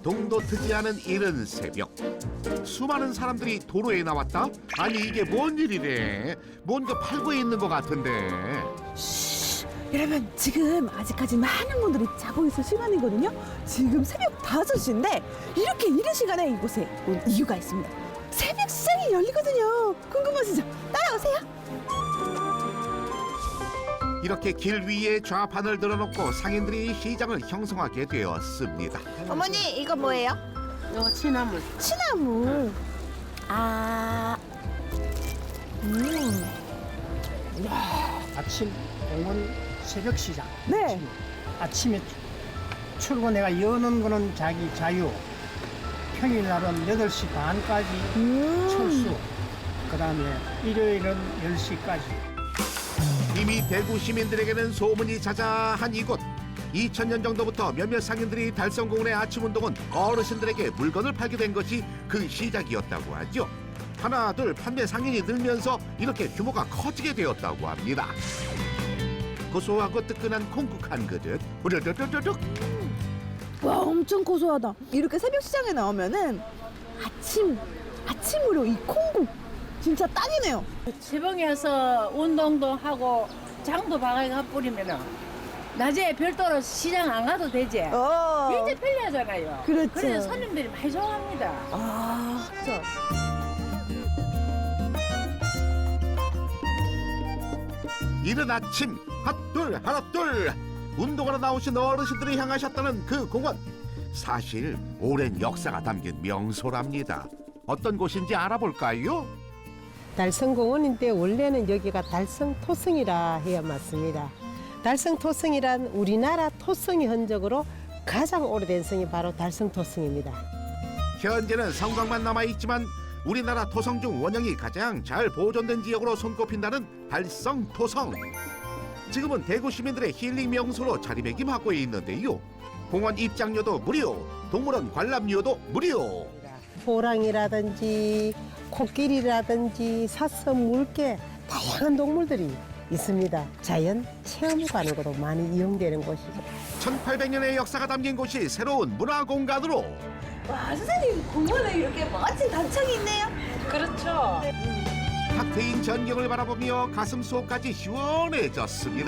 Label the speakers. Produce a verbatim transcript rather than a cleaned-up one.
Speaker 1: 동도 트지 않은 이른 새벽, 수많은 사람들이 도로에 나왔다? 아니 이게 뭔 일이래? 뭔가 팔고 있는 것 같은데.
Speaker 2: 여러분, 지금 아직까지 많은 분들이 자고 있을 시간이거든요. 지금 새벽 다섯 시인데 이렇게 이른 시간에 이곳에 온 이유가 있습니다. 새벽 시장이 열리거든요. 궁금하시죠? 따라오세요.
Speaker 1: 이렇게 길 위에 좌판을 들어놓고 상인들이 시장을 형성하게 되었습니다.
Speaker 2: 어머니, 이거 뭐예요?
Speaker 3: 이거 취나물.
Speaker 2: 취나물. 아, 음,
Speaker 3: 아침 공원 새벽 시장.
Speaker 2: 네.
Speaker 3: 아침에 출근해가 여는 거는 자기 자유. 평일날은 여덟 시 반까지
Speaker 2: 음.
Speaker 3: 철수. 그 다음에 일요일은 열 시까지.
Speaker 1: 이미 대구 시민들에게는 소문이 자자한 이곳. 이천 년 정도부터 몇몇 상인들이 달성공원의 아침 운동은 어르신들에게 물건을 팔게 된 것이 그 시작이었다고 하죠. 하나 둘 판매 상인이 늘면서 이렇게 규모가 커지게 되었다고 합니다. 고소하고 뜨끈한 콩국 한 그릇 후루룩룩룩.
Speaker 2: 와, 엄청 고소하다. 이렇게 새벽 시장에 나오면은 아침, 아침으로 이 콩국 진짜 딱이네요.
Speaker 4: 지방에서 운동도 하고 장도 바가지가 뿌리면은 낮에 별도로 시장 안 가도 되지.
Speaker 2: 어.
Speaker 4: 굉장히 편리하잖아요.
Speaker 2: 그렇죠.
Speaker 4: 그래서 손님들이 많이 좋아합니다.
Speaker 2: 아,
Speaker 4: 그렇죠.
Speaker 1: 이른 아침 핫둘 하나둘 운동하러 나오신 어르신들이 향하셨다는 그 공원. 사실 오랜 역사가 담긴 명소랍니다. 어떤 곳인지 알아볼까요?
Speaker 5: 달성공원인데 원래는 여기가 달성토성이라 해야 맞습니다. 달성토성이란 우리나라 토성의 흔적으로 가장 오래된 성이 바로 달성토성입니다.
Speaker 1: 현재는 성곽만 남아있지만 우리나라 토성 중 원형이 가장 잘 보존된 지역으로 손꼽힌다는 달성토성. 지금은 대구 시민들의 힐링 명소로 자리매김하고 있는데요. 공원 입장료도 무료, 동물원 관람료도 무료.
Speaker 5: 호랑이라든지 코끼리라든지 사슴, 물개 다양한 동물들이 있습니다. 자연 체험관으로도 많이 이용되는 곳이죠.
Speaker 1: 천팔백 년의 역사가 담긴 곳이 새로운 문화공간으로.
Speaker 2: 와, 선생님, 공원에 이렇게 멋진 단청이 있네요.
Speaker 4: 그렇죠.
Speaker 1: 탁 트인 전경을 바라보며 가슴 속까지 시원해졌습니다.